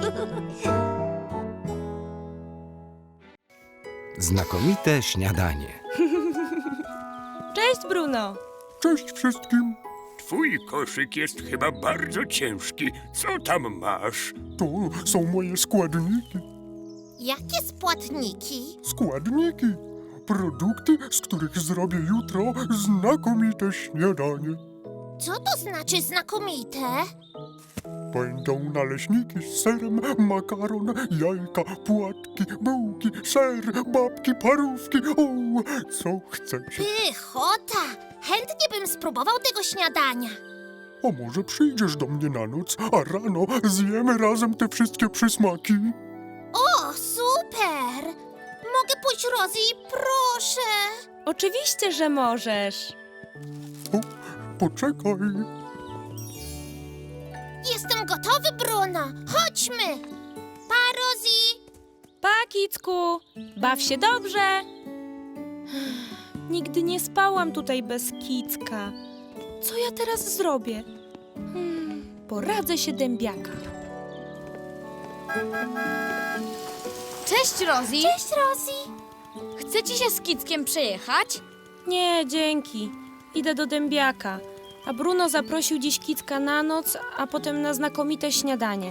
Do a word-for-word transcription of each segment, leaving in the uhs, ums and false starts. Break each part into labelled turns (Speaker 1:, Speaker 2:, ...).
Speaker 1: Znakomite śniadanie.
Speaker 2: Cześć, Bruno.
Speaker 3: Cześć wszystkim.
Speaker 4: Twój koszyk jest chyba bardzo ciężki. Co tam masz?
Speaker 3: To są moje składniki.
Speaker 5: Jakie spłatniki?
Speaker 3: Składniki. Produkty, z których zrobię jutro znakomite śniadanie.
Speaker 5: Co to znaczy znakomite?
Speaker 3: Będą naleśniki z serem, makaron, jajka, płatki, bułki, ser, babki, parówki. O, co chcecie?
Speaker 5: Pychota! Chętnie bym spróbował tego śniadania.
Speaker 3: A może przyjdziesz do mnie na noc, a rano zjemy razem te wszystkie przysmaki?
Speaker 5: O, super! Mogę pójść, Rosie, proszę.
Speaker 2: Oczywiście, że możesz.
Speaker 3: O, poczekaj.
Speaker 5: Jestem gotowy, Bruno. Chodźmy. Pa, Rosie.
Speaker 2: Pa, Kicku. Baw się dobrze. Nigdy nie spałam tutaj bez Kicka. Co ja teraz zrobię? Hmm, poradzę się dębiaka.
Speaker 6: Cześć, Rosie.
Speaker 5: Cześć, Rosie.
Speaker 6: Chce ci się z Kickiem przejechać?
Speaker 2: Nie, dzięki. Idę do dębiaka. A Bruno zaprosił dziś Kicka na noc, a potem na znakomite śniadanie.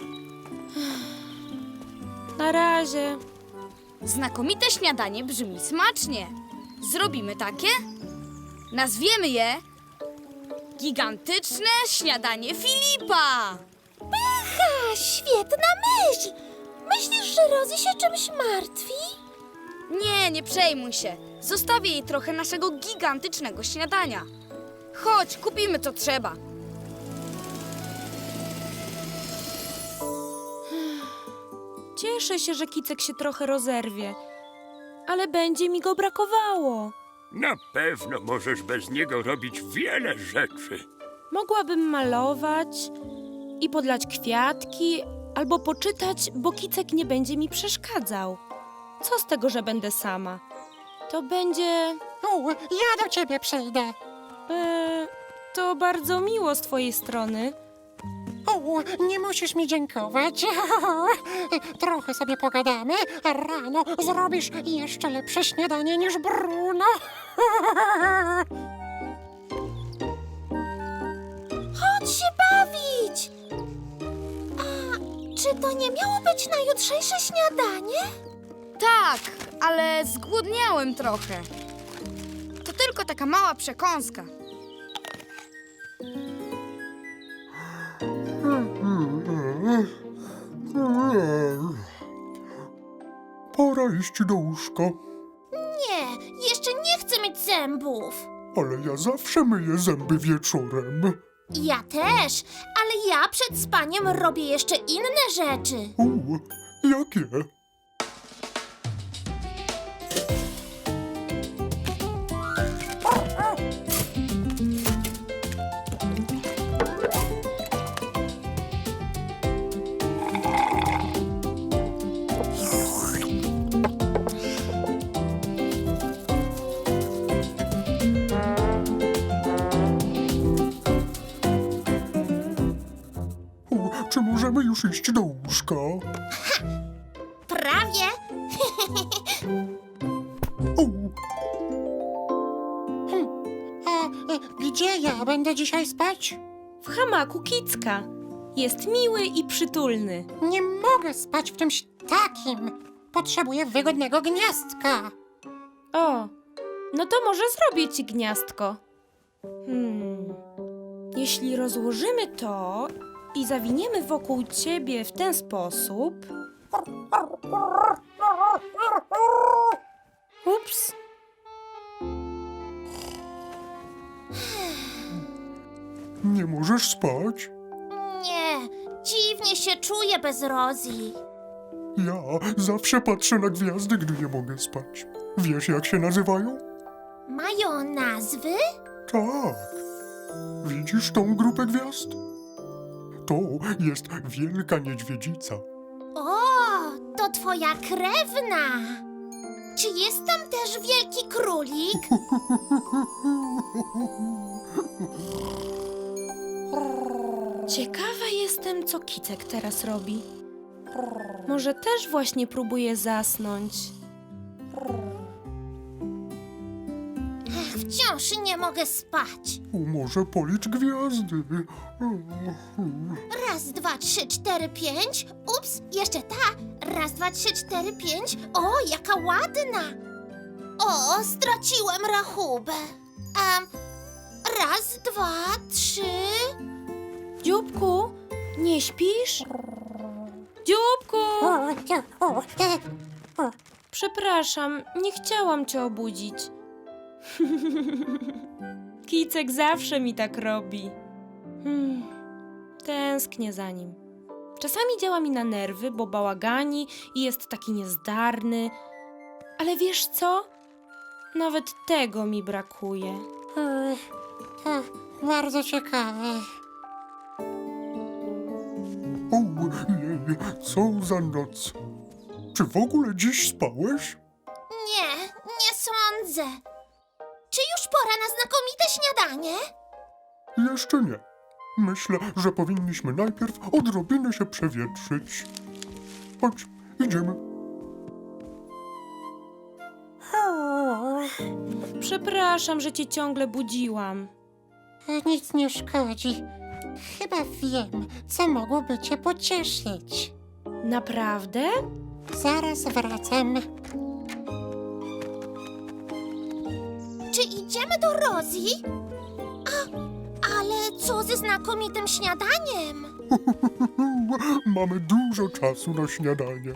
Speaker 2: Na razie.
Speaker 6: Znakomite śniadanie brzmi smacznie. Zrobimy takie? Nazwiemy je Gigantyczne śniadanie Filipa.
Speaker 5: Ha, świetna myśl. Myślisz, że Rosie się czymś martwi?
Speaker 6: Nie, nie przejmuj się. Zostawię jej trochę naszego gigantycznego śniadania. Chodź, kupimy co trzeba.
Speaker 2: Cieszę się, że Kicek się trochę rozerwie, ale będzie mi go brakowało.
Speaker 4: Na pewno możesz bez niego robić wiele rzeczy.
Speaker 2: Mogłabym malować i podlać kwiatki, albo poczytać, bo Kicek nie będzie mi przeszkadzał. Co z tego, że będę sama? To będzie...
Speaker 7: U, ja do ciebie przyjdę.
Speaker 2: E, to bardzo miło z twojej strony.
Speaker 7: U, nie musisz mi dziękować. Trochę sobie pogadamy, a rano zrobisz jeszcze lepsze śniadanie niż Bruno.
Speaker 5: Chodź się bawić. A czy to nie miało być na jutrzejsze śniadanie?
Speaker 6: Tak, ale zgłodniałem trochę. To tylko taka mała przekąska.
Speaker 3: Pora iść do łóżka.
Speaker 5: Nie, jeszcze nie chcę mieć zębów.
Speaker 3: Ale ja zawsze myję zęby wieczorem.
Speaker 5: Ja też, ale ja przed spaniem robię jeszcze inne rzeczy.
Speaker 3: U, jakie? U, czy możemy już iść do łóżka?
Speaker 5: Prawie.
Speaker 3: U,
Speaker 7: A e, gdzie ja będę dzisiaj spać?
Speaker 2: W hamaku Kicka. Jest miły i przytulny.
Speaker 7: Nie mogę spać w czymś takim. Potrzebuję wygodnego gniazdka.
Speaker 2: O, no to może zrobię ci gniazdko. Hmm. Jeśli rozłożymy to i zawiniemy wokół ciebie w ten sposób... Ups.
Speaker 3: nie możesz spać?
Speaker 5: Nie, dziwnie się czuję bez Rosie.
Speaker 3: Ja zawsze patrzę na gwiazdy, gdy nie mogę spać. Wiesz, jak się nazywają?
Speaker 5: Mają nazwy?
Speaker 3: Tak. Widzisz tą grupę gwiazd? To jest Wielka Niedźwiedzica.
Speaker 5: O, to twoja krewna. Czy jest tam też wielki królik?
Speaker 2: Ciekawa jestem, co Kicek teraz robi. Może też właśnie próbuje zasnąć.
Speaker 5: Ach, wciąż nie mogę spać.
Speaker 3: O, może policz gwiazdy.
Speaker 5: Raz, dwa, trzy, cztery, pięć. Ups, jeszcze ta. Raz, dwa, trzy, cztery, pięć. O, jaka ładna. O, straciłem rachubę. Um, raz, dwa, trzy.
Speaker 2: Dzióbku, nie śpisz? Dzióbku!
Speaker 7: O, o, e, o.
Speaker 2: Przepraszam, nie chciałam cię obudzić. Kicek zawsze mi tak robi. Hmm, tęsknię za nim. Czasami działa mi na nerwy, bo bałagani i jest taki niezdarny. Ale wiesz co? Nawet tego mi brakuje.
Speaker 7: E, To bardzo ciekawe.
Speaker 3: Ojej, co za noc. Czy w ogóle dziś spałeś?
Speaker 5: Nie, nie sądzę. Czy już pora na znakomite śniadanie?
Speaker 3: Jeszcze nie. Myślę, że powinniśmy najpierw odrobinę się przewietrzyć. Chodź, idziemy.
Speaker 7: O,
Speaker 2: Przepraszam, że cię ciągle budziłam.
Speaker 7: nic nie szkodzi. Chyba wiem, co mogłoby cię pocieszyć.
Speaker 2: Naprawdę?
Speaker 7: Zaraz wracam.
Speaker 5: Czy idziemy do Rosie? A, ale co ze znakomitym śniadaniem?
Speaker 3: Mamy dużo czasu na śniadanie.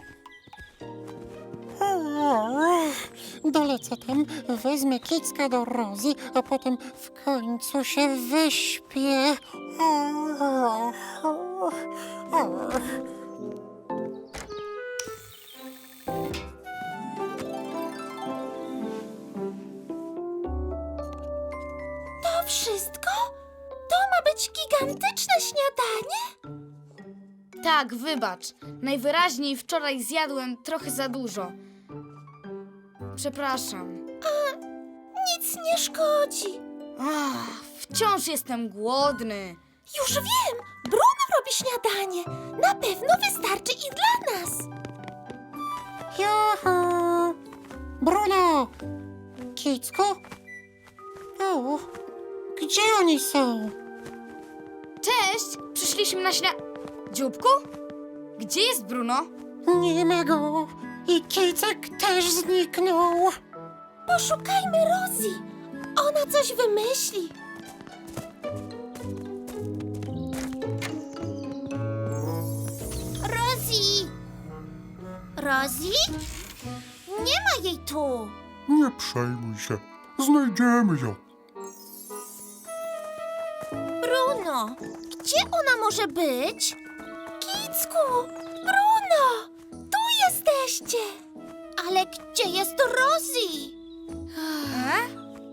Speaker 7: O, dolecę tam, wezmę Kicka do Rosie, a potem w końcu się wyśpię. O, o, o.
Speaker 5: To wszystko? To ma być gigantyczne śniadanie?
Speaker 6: Tak, wybacz. Najwyraźniej wczoraj zjadłem trochę za dużo. Przepraszam.
Speaker 5: Nic nie szkodzi.
Speaker 6: Ach, wciąż jestem głodny.
Speaker 5: Już wiem, Bruno robi śniadanie. Na pewno wystarczy i dla nas.
Speaker 7: Juhu! Bruno! Kicku? O, gdzie oni są?
Speaker 6: Cześć! Przyszliśmy na śnia... Dzióbku? Gdzie jest Bruno?
Speaker 7: Nie ma go. I Kicek też zniknął.
Speaker 5: Poszukajmy Rosie. Ona coś wymyśli. Rosie! Rosie? Nie ma jej tu.
Speaker 3: Nie przejmuj się. Znajdziemy ją.
Speaker 5: Bruno, gdzie ona może być? Kicku, Bruno, tu jesteście. Ale gdzie jest Rosie?
Speaker 6: E?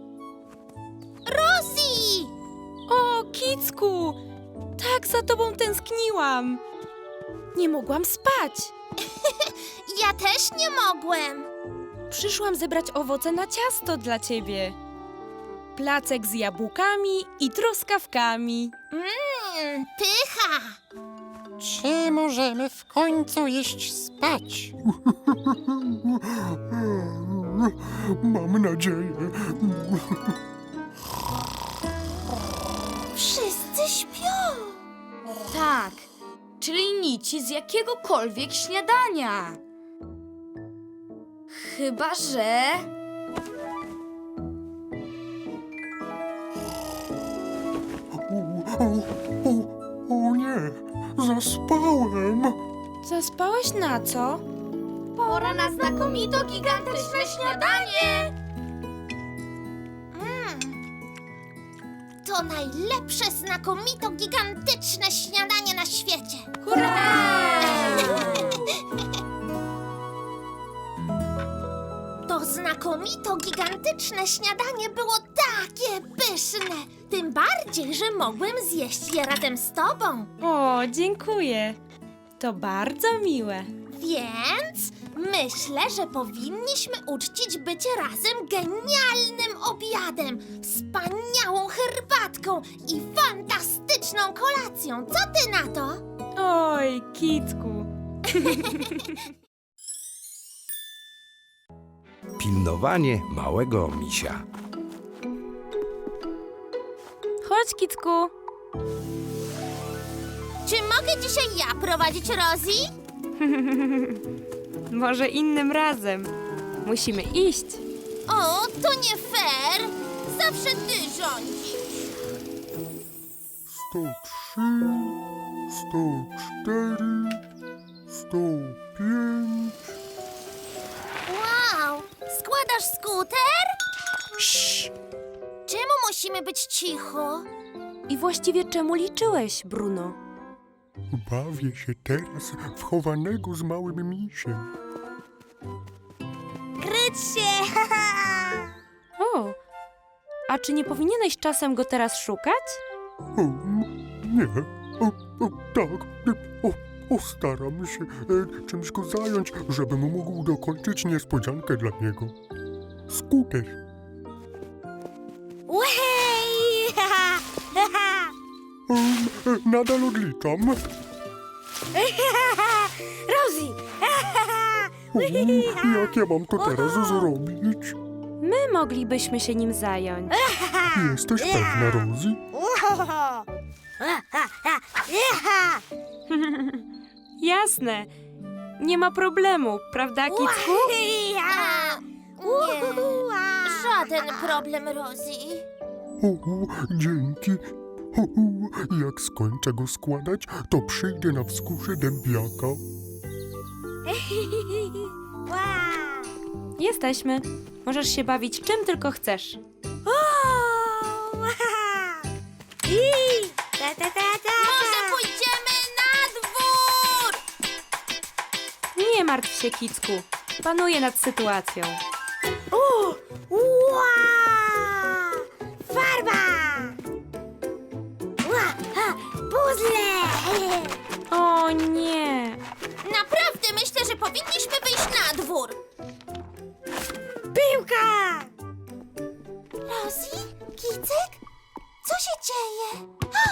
Speaker 5: Rosie!
Speaker 2: O, Kicku! Tak za tobą tęskniłam. Nie mogłam spać.
Speaker 5: Ja też nie mogłem.
Speaker 2: Przyszłam zebrać owoce na ciasto dla ciebie. Placek z jabłkami i truskawkami.
Speaker 5: Mmm, pycha.
Speaker 7: Czy możemy w końcu iść spać?
Speaker 3: Mam nadzieję.
Speaker 5: Wszyscy śpią.
Speaker 6: Tak, czyli nici z jakiegokolwiek śniadania. Chyba, że...
Speaker 3: O, o, o, o nie, zaspałem.
Speaker 2: Zaspałeś na co?
Speaker 6: Pora na znakomito gigantyczne śniadanie!
Speaker 5: Mm. To najlepsze, znakomito, gigantyczne śniadanie na świecie. To znakomito, gigantyczne śniadanie było takie pyszne. Tym bardziej, że mogłem zjeść je razem z tobą.
Speaker 2: O, dziękuję. To bardzo miłe.
Speaker 5: Więc myślę, że powinniśmy uczcić bycie razem genialnym obiadem, wspaniałą herbatką i fantastyczną kolacją. Co ty na to?
Speaker 2: Oj, Kicku.
Speaker 1: Pilnowanie małego misia.
Speaker 2: Chodź, Kicku.
Speaker 5: Czy mogę dzisiaj ja prowadzić Rosie?
Speaker 2: Może innym razem. Musimy iść.
Speaker 5: O, to nie fair. Zawsze ty rządzisz.
Speaker 3: sto trzy, sto cztery, sto pięć.
Speaker 5: Wow, składasz skuter?
Speaker 2: Cii.
Speaker 5: Czemu musimy być cicho?
Speaker 2: I właściwie czemu liczyłeś, Bruno?
Speaker 3: Bawię się teraz w chowanego z małym misiem.
Speaker 5: Kryć się!
Speaker 2: O, a czy nie powinieneś czasem go teraz szukać?
Speaker 3: O, nie, o, o, tak, o, postaram się e, czymś go zająć, żebym mógł dokończyć niespodziankę dla niego. Skuter.
Speaker 5: Łej!
Speaker 3: Um, e, nadal odliczam.
Speaker 5: Rosie!
Speaker 3: O, jak ja mam to teraz zrobić?
Speaker 2: My moglibyśmy się nim zająć.
Speaker 3: Jesteś pewna, Rosie?
Speaker 2: Jasne. Nie ma problemu, prawda, Kicku?
Speaker 5: A, nie, żaden problem, Rosie.
Speaker 3: O, dzięki. O, jak skończę go składać, to przyjdę na wzgórze dębiaka.
Speaker 2: Jesteśmy. Możesz się bawić czym tylko chcesz.
Speaker 5: Może pójdziemy na dwór?
Speaker 2: Nie martw się, Kicku. Panuję nad sytuacją.
Speaker 5: Ua! Farba! Ua! Ha! Puzzle!
Speaker 2: O nie.
Speaker 5: Naprawdę myślę, że powinniśmy wyjść na dwór. Piłka! Rosie? Kicek? Co się dzieje?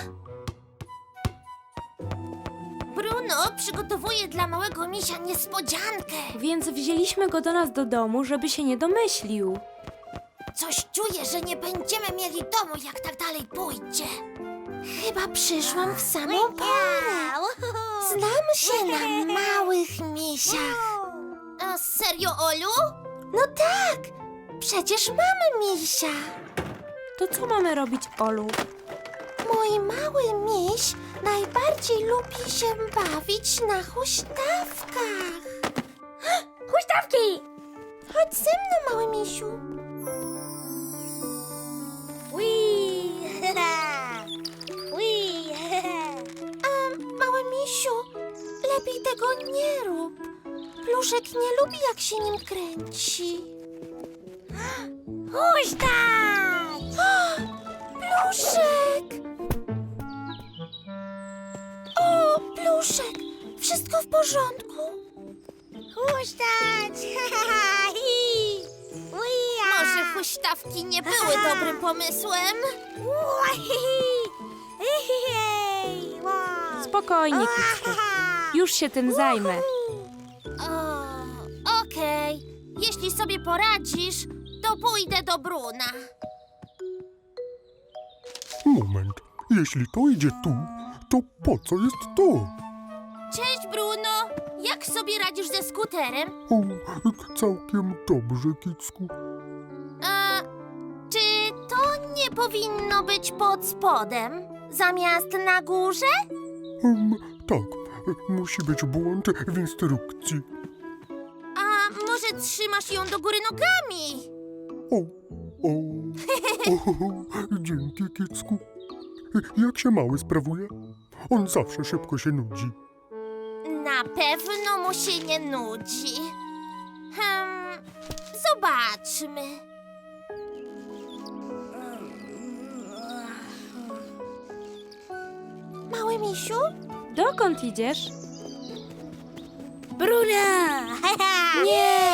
Speaker 5: Bruno przygotowuje dla małego misia niespodziankę.
Speaker 2: Więc wzięliśmy go do nas do domu, żeby się nie domyślił.
Speaker 5: Coś czuję, że nie będziemy mieli domu, jak tak dalej pójdzie. Chyba przyszłam w samą porę. Znam się na małych misiach. A serio, Olu? No tak, przecież mamy misia.
Speaker 2: To co mamy robić, Olu?
Speaker 5: Mój mały miś najbardziej lubi się bawić na huśtawkach. Huśtawki! Chodź ze mną, mały misiu. A, mały misiu, lepiej tego nie rób. Pluszek nie lubi, jak się nim kręci. Huśtać! Pluszek! O, Pluszek! Wszystko w porządku? Huśtać! Może huśtawki nie były dobrym pomysłem?
Speaker 2: Spokojnie, Kicku. Już się tym zajmę.
Speaker 5: O, okej. Jeśli sobie poradzisz, to pójdę do Bruna.
Speaker 3: Moment, jeśli to idzie tu, to po co jest to?
Speaker 5: Cześć, Bruno! Jak sobie radzisz ze skuterem?
Speaker 3: O, całkiem dobrze, Kicku.
Speaker 5: A, czy to nie powinno być pod spodem, zamiast na górze?
Speaker 3: Um, tak, musi być błąd w instrukcji.
Speaker 5: A może trzymasz ją do góry nogami?
Speaker 3: O, o, o, dzięki, Kicku. Jak się mały sprawuje? On zawsze szybko się nudzi.
Speaker 5: Na pewno mu się nie nudzi. Hmm, zobaczmy. Mały misiu?
Speaker 2: Dokąd idziesz?
Speaker 5: Bruna!
Speaker 2: Nie!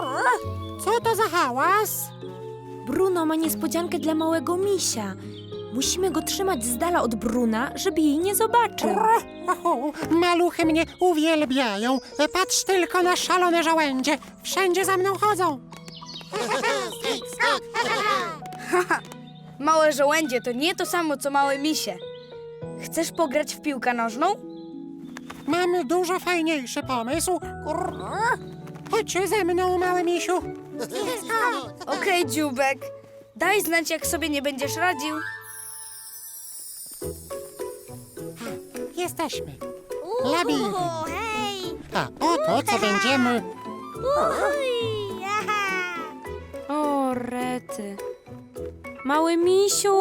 Speaker 7: Co to za hałas?
Speaker 2: Bruno ma niespodziankę dla małego misia. Musimy go trzymać z dala od Bruna, żeby jej nie zobaczył.
Speaker 7: O, maluchy mnie uwielbiają. Patrz tylko na szalone żołędzie. Wszędzie za mną chodzą.
Speaker 6: Małe żołędzie to nie to samo, co małe misie. Chcesz pograć w piłkę nożną?
Speaker 7: Mamy dużo fajniejszy pomysł. Chodź ze mną, mały misiu.
Speaker 6: Okej, dzióbek. Daj znać, jak sobie nie będziesz radził.
Speaker 7: Jesteśmy. Labirynt. A oto, co będziemy...
Speaker 2: O, rety. Mały misiu!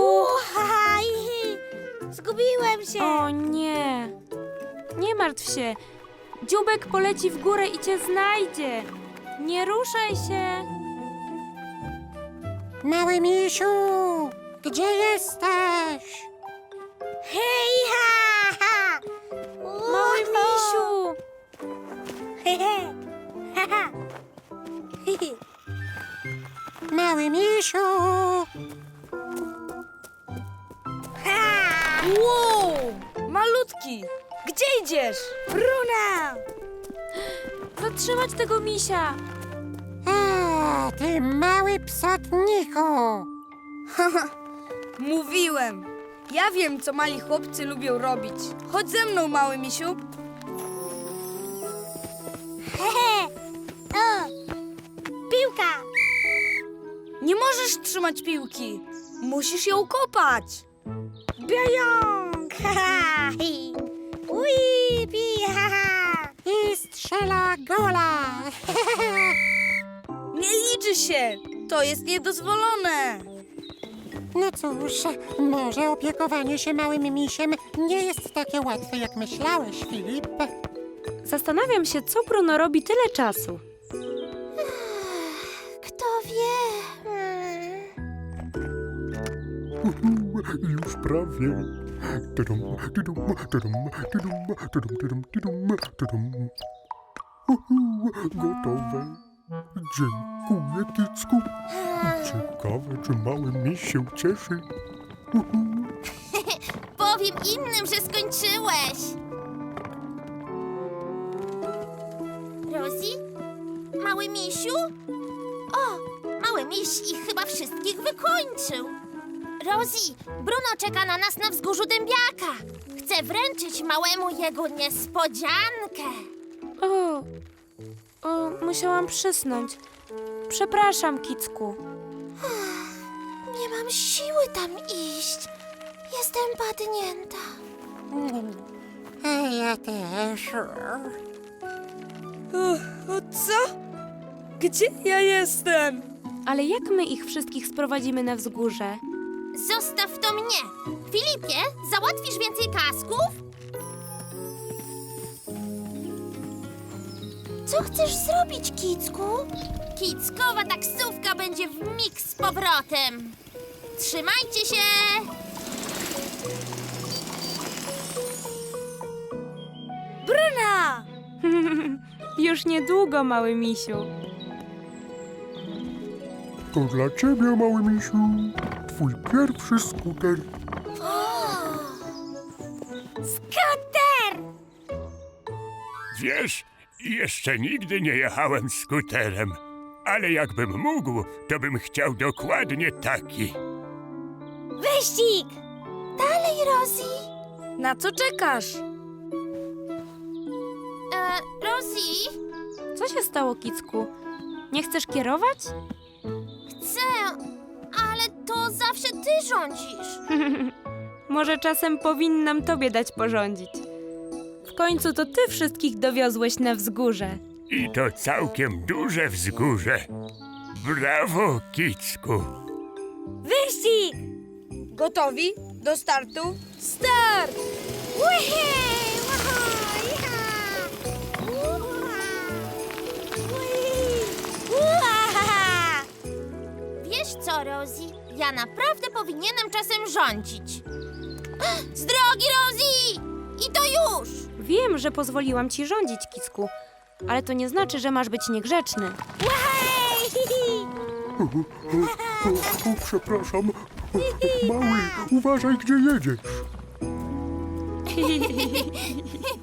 Speaker 5: Zgubiłem się.
Speaker 2: O nie! Nie martw się. Dziubek poleci w górę i cię znajdzie. Nie ruszaj się.
Speaker 7: Mały misiu, gdzie jesteś?
Speaker 5: Hej, ha, ha.
Speaker 2: Mały misiu!
Speaker 7: Mały misiu!
Speaker 6: Wow! Malutki! Gdzie idziesz? Bruna!
Speaker 2: Zatrzymać tego misia!
Speaker 7: O, ty mały psotniku!
Speaker 6: Mówiłem! Ja wiem, co mali chłopcy lubią robić. Chodź ze mną, mały misiu.
Speaker 5: O, piłka.
Speaker 6: Nie możesz trzymać piłki. Musisz ją kopać. Biająk!
Speaker 5: Ui, pi, ha, ha.
Speaker 7: I strzela gola!
Speaker 6: Nie liczy się. To jest niedozwolone.
Speaker 7: No cóż, może opiekowanie się małym misiem nie jest takie łatwe, jak myślałeś, Filip.
Speaker 2: Zastanawiam się, co Bruno robi tyle czasu.
Speaker 5: Kto wie? Hmm.
Speaker 3: Już prawie. Tadum, tadum, tadum, tadum, tadum, tadum, tadum, tadum. Uhu, gotowe. Dziękuję, Kicku. Ciekawe, czy mały miś się cieszy. Uhu.
Speaker 5: Powiem innym, że skończyłeś. Rosie? Mały misiu? O, mały miś ich chyba wszystkich wykończył. Rosie, Bruno czeka na nas na wzgórzu dębiaka. Chce wręczyć małemu jego niespodziankę.
Speaker 2: O, o, musiałam przysnąć. Przepraszam, Kicku.
Speaker 5: Nie mam siły tam iść. Jestem padnięta.
Speaker 7: A ja też.
Speaker 6: O co? Gdzie ja jestem?
Speaker 2: Ale jak my ich wszystkich sprowadzimy na wzgórze?
Speaker 5: Zostaw to mnie. Filipie, załatwisz więcej kasków? Co chcesz zrobić, Kicku? Kickowa taksówka będzie w mig z powrotem. Trzymajcie się!
Speaker 6: Bruna!
Speaker 2: Już niedługo, mały misiu.
Speaker 3: To dla ciebie, mały misiu. Twój pierwszy skuter.
Speaker 5: Skuter!
Speaker 4: Wiesz, jeszcze nigdy nie jechałem skuterem. Ale jakbym mógł, to bym chciał dokładnie taki.
Speaker 5: Wyścig! Dalej, Rosie.
Speaker 6: Na co czekasz?
Speaker 5: E, Rosie,
Speaker 2: Co się stało, Kicku? Nie chcesz kierować?
Speaker 5: chcę, ale to zawsze ty rządzisz.
Speaker 2: Może czasem powinnam tobie dać porządzić. W końcu to ty wszystkich dowiozłeś na wzgórze.
Speaker 4: I to całkiem duże wzgórze. Brawo, Kicku.
Speaker 6: Wyścig! Gotowi? Do startu? Start!
Speaker 5: Wiesz co, Rosie? Ja naprawdę powinienem czasem rządzić. Z drogi, Rosie! I to już!
Speaker 2: Wiem, że pozwoliłam ci rządzić, Kicku, ale to nie znaczy, że masz być niegrzeczny.
Speaker 3: O, o, o, przepraszam. Mały, uważaj, gdzie jedziesz.